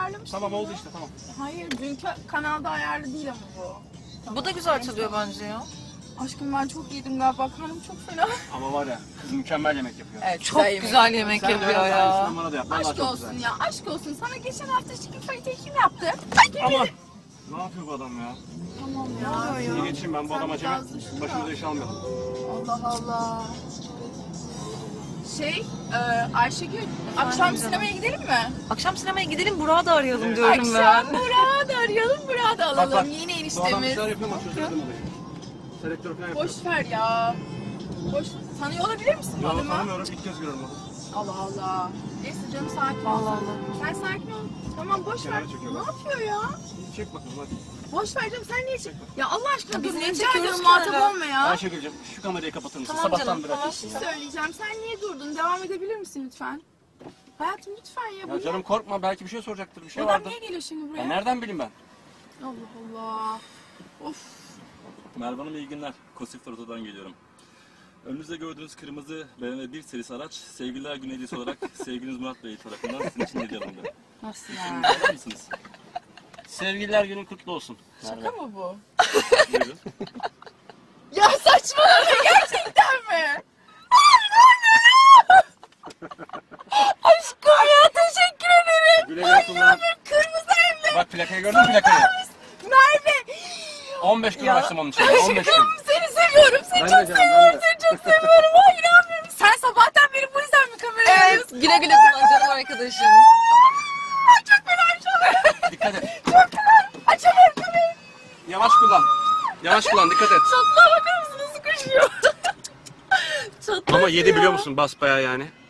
Ayarlamıştım Tamam oldu bunu. işte tamam. Hayır dünkü kanalda ayarlı değil ama bu. Tamam. Bu da güzel çalıyor bence ya. Aşkım ben çok yedim galiba, karnım çok fena. Ama var ya kız mükemmel yemek yapıyor. Evet, Çok güzel yemek Sen de yapıyor biraz ya. aynısından bana da yap. Vallahi Aşk çok olsun güzel. ya, aşk olsun. Sana geçen hafta chicken fajita kim yaptı? Aman. Ne yapıyor bu adam ya? Tamam ya. İyi geçeyim ben bu Sen adama acemi. biraz düşün da. Başımıza iş almayalım. Allah Allah. Ayşegül, akşam sinemaya gidelim mi? Akşam sinemaya gidelim, Burak'ı da arayalım diyorum ben. Akşam Burak'ı da arayalım, Burak'ı da alalım. Bak, Yeni Bu adam bir eniştemiz. şeyler yapıyor ama çözemedim olayı. Selektör falan yapıyor. Boş ver ya. Boş. Tanıyor olabilir misin bu Ya adamı? tanımıyorum ilk kez görüyorum onu. Allah Allah. Neyse canım, sakin ol. Allah Allah. Sen sakin ol. Tamam, boş ver. Kenara çekiyor Ne bak. yapıyor ya? Çek bakalım hadi. Boş ver canım, sen niye çek? Ya Allah aşkına Biz dur, niye rica çekiyoruz ediyorum, ki muhatap hala? olma ya. Ayşegül'cüm şu kamerayı kapatır mısın? Tamam Sabahtan canım, beri tamam. açıyorsun Bir şey söyleyeceğim, sen niye durdun? Devam edebilir misin lütfen? Hayatım lütfen ya. Ya canım korkma belki bir şey soracaktır bir şey Bu adam vardır. niye geliyor şimdi buraya? Ya nereden bileyim ben? Allah Allah. Of. Merve Hanım iyi günler. Kosif Oto'dan geliyorum. Önünüzde gördüğünüz kırmızı BMW 1 serisi araç sevgililer günü hediyesi olarak sevgiliniz Murat Bey tarafından sizin için hediye alındı. Nasıl İzninizi alır mısınız? Sevgililer günün kutlu olsun. Şaka mı bu? Buyurun. Ya saçmalama, gerçekten mi? Aşkım ya, teşekkür ederim. Güle güle kullan. Kırmızı evli. Bak plakayı gördün mü plakayı? Merve. 15 gün uğraştım onun için. 15 gün. Aşkım seni seviyorum. Seni Ben de çok canım, seviyorum. ben de. Seni çok seviyorum. Ay inanmıyorum. Sen sabahtan beri bu yüzden mi kameraya Evet, alıyorsun? güle güle kullan canım arkadaşım. Çok fena şu an. Dikkat et. Çok fena. Açamıyorum kamerayı. Yavaş kullan. Yavaş kullan dikkat et. Çatlağa bakar mısın? Nasıl koşuyor? Çatlak Ama 7 ya. biliyor musun basbayağı yani.